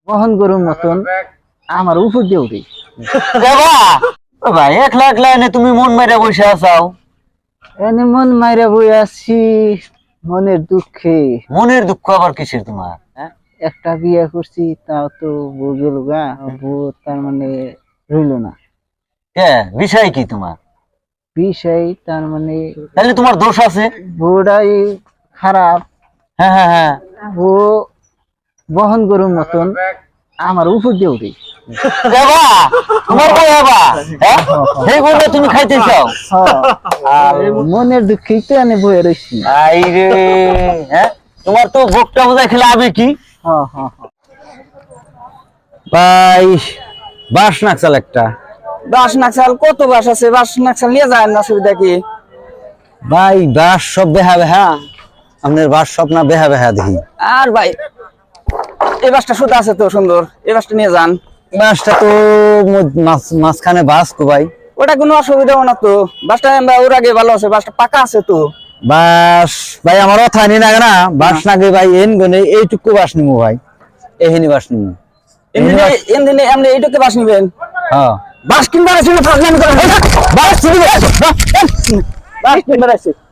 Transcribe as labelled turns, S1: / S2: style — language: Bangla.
S1: বহন গরুর মতন আমার উপর দিয়ে উঠে।
S2: ভাই একলা একলা এনে তুমি মন মেরে বসে আছাও।
S1: এনে মন মাইরা বই আছি মনের দুঃখে।
S2: মনের দুঃখ আবার কিসের তোমার?
S1: একটা বিয়ে করছি তাও তো বউ গেল গা, বউ তার মানে রইল না।
S2: কে বিষয় কি তোমার?
S1: বিষয় তার মানে
S2: তাহলে তোমার দোষ আছে।
S1: বউটাই খারাপ।
S2: হ্যাঁ হ্যাঁ হ্যাঁ,
S1: বউ বহন গরুর মতন আমার উপর দিয়ে উঠে।
S2: তোমার বউ বাবা, সেই বউটা তুমি খাইতে চাও?
S1: আর মনের দুঃখেই তো এনে বয়ে রয়েছি।
S2: আই রে, হ্যাঁ তোমার তো ভোগটা বোঝাই খেলে আবে কি ভাই। বাস নাকচাল একটা।
S3: বাস নাকশাল কত বাস আছে, বাস নাকশাল নিয়ে যায় না, অসুবিধা কি?
S2: ভাই বাস সব বেহা বেহা, আপনার বাস সব না বেহা বেহা দেখি।
S3: আর ভাই এই বাসটা শুধু আছে তো সুন্দর, এই বাসটা নিয়ে যান।
S2: বাসটা তো মাঝখানে বাস কো ভাই।
S3: ওটা কোনো অসুবিধা না তো, বাসটা ওর আগে ভালো আছে, বাসটা পাকা আছে তো।
S2: বাস ভাই আমার কথা নি না না, বাস নাগে ভাই এন গনে এইটুকু বাস নিমু ভাই, এহিনি বাস নিমু।
S3: এমনি এইটুকু বাস নিবেন?
S2: হ্যাঁ
S3: বাস কিনবার আছে না, ফাজলামি করেন?
S2: বাস
S3: বাস কিনবার আছে।